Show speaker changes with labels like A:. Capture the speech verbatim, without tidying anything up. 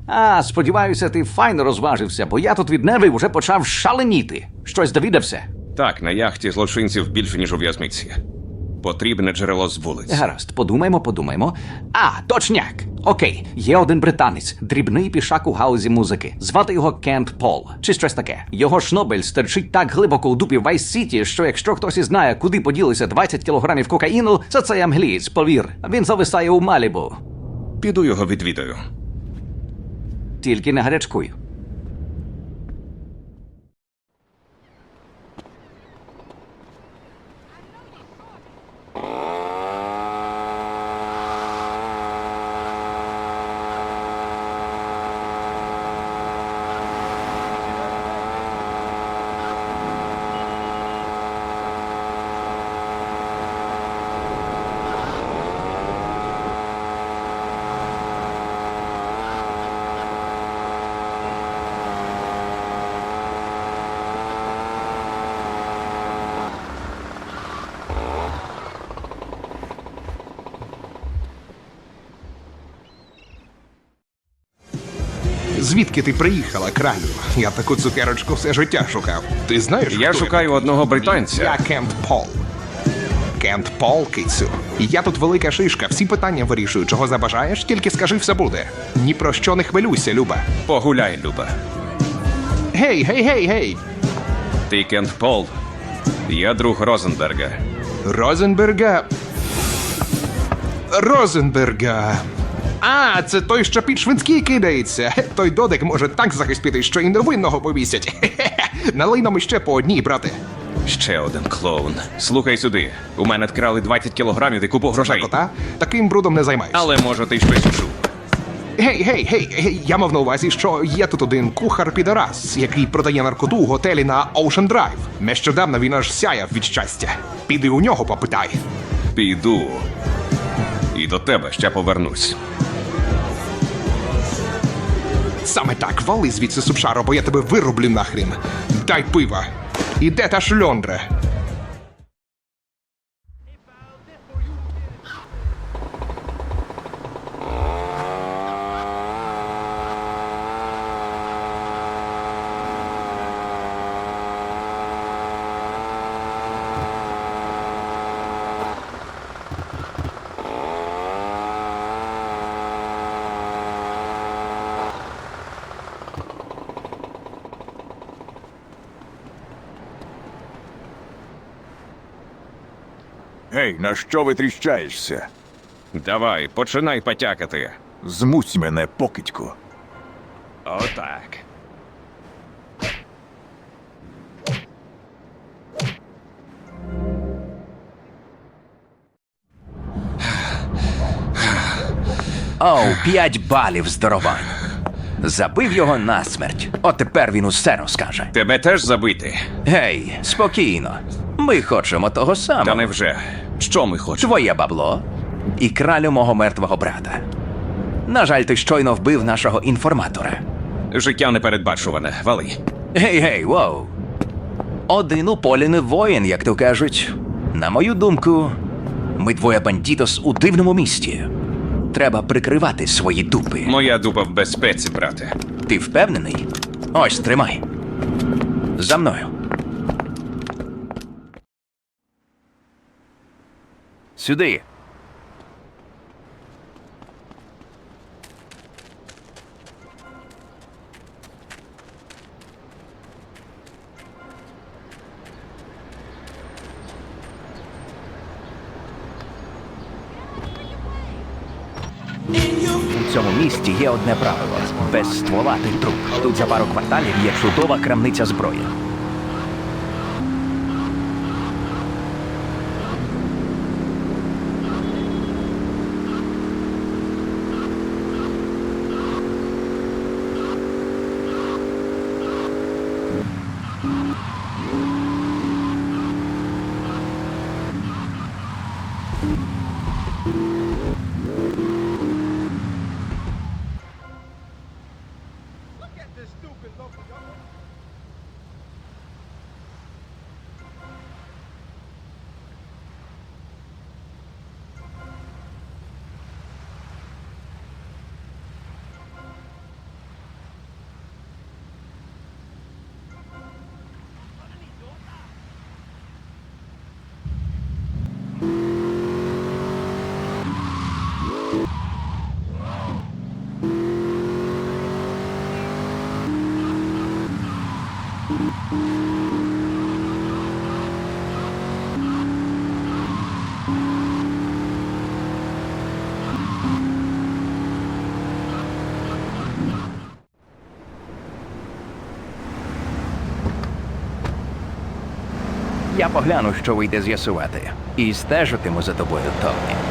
A: А, сподіваюся, ти файно розважився, бо я тут від нервів уже почав шаленіти. Щось довідався?
B: Так, на яхті злочинців більше, ніж у в'язниці. Потрібне джерело з вулиць.
A: Гаразд, подумаємо, подумаємо. А, точняк! Окей, є один британець, дрібний пішак у гаузі музики. Звати його Кент Пол, чи щось таке. Його шнобель стерчить так глибоко у дупі Вайс-Сіті, що якщо хтось і знає, куди поділися двадцять кілограмів кокаїну, це цей англієць, повір. Він зависає у Малібу.
B: Піду його відвідаю.
A: Тільки не гарячкуй.
C: Звідки ти приїхала, кралю? Я таку цукерочку все життя шукав. Ти знаєш,
B: Я
C: хто
B: шукаю
C: такий?
B: одного британця.
C: Я Кент Пол. Кент Пол, кицю. Я тут велика шишка, всі питання вирішую. Чого забажаєш, тільки скажи, все буде. Ні про що не хвилюйся, Люба.
B: Погуляй, Люба.
C: Гей, гей, гей, гей!
B: Ти Кент Пол. Я друг Розенберга.
C: Розенберга... Розенберга... А, це той, що під швидкий кидається. Той додик може так захистити, що і невинного повісять. Хе-хе-хе. Налий нам іще по одній, брате.
B: Ще один клоун. Слухай сюди. У мене вкрали двадцять кілограмів і купу грошей.
C: Кота, таким брудом не займаюся.
B: Але може ти щось чув.
C: Гей, гей, гей, гей, я мав на увазі, що є тут один кухар-підарас, який продає наркоту у готелі на Ocean Drive. Нещодавно він аж сяяв від щастя. Піди у нього попитай.
B: Піду. І до тебе ще повернусь.
C: Саме так, вали звідси, субшаро, бо я тебе вирублю нахрін. Дай пива. І де та шльондра?
D: Гей, на що витріщаєшся?
B: Давай, починай потякати.
D: Змусь мене, покидьку.
B: Отак.
E: Оу, п'ять балів здоровань. Забив його насмерть. От тепер він усе розкаже.
B: Тебе теж забити?
E: Гей, спокійно. Ми хочемо того самого.
B: Та невже? Що ми хочемо?
E: Твоє бабло і кралю мого мертвого брата. На жаль, ти щойно вбив нашого інформатора.
B: Життя непередбачуване. Вали.
E: Гей-гей, воу. Один у полі не воїн, як то кажуть. На мою думку, ми двоє бандітос у дивному місті. Треба прикривати свої дупи.
B: Моя дупа в безпеці, брате.
E: Ти впевнений? Ось, тримай. За мною. Сюди. У цьому місті є одне правило. Без ствола ти труп. Тут за пару кварталів є чудова крамниця зброї. Я погляну, що вийде з'ясувати. І стежитиму за тобою, Томмі.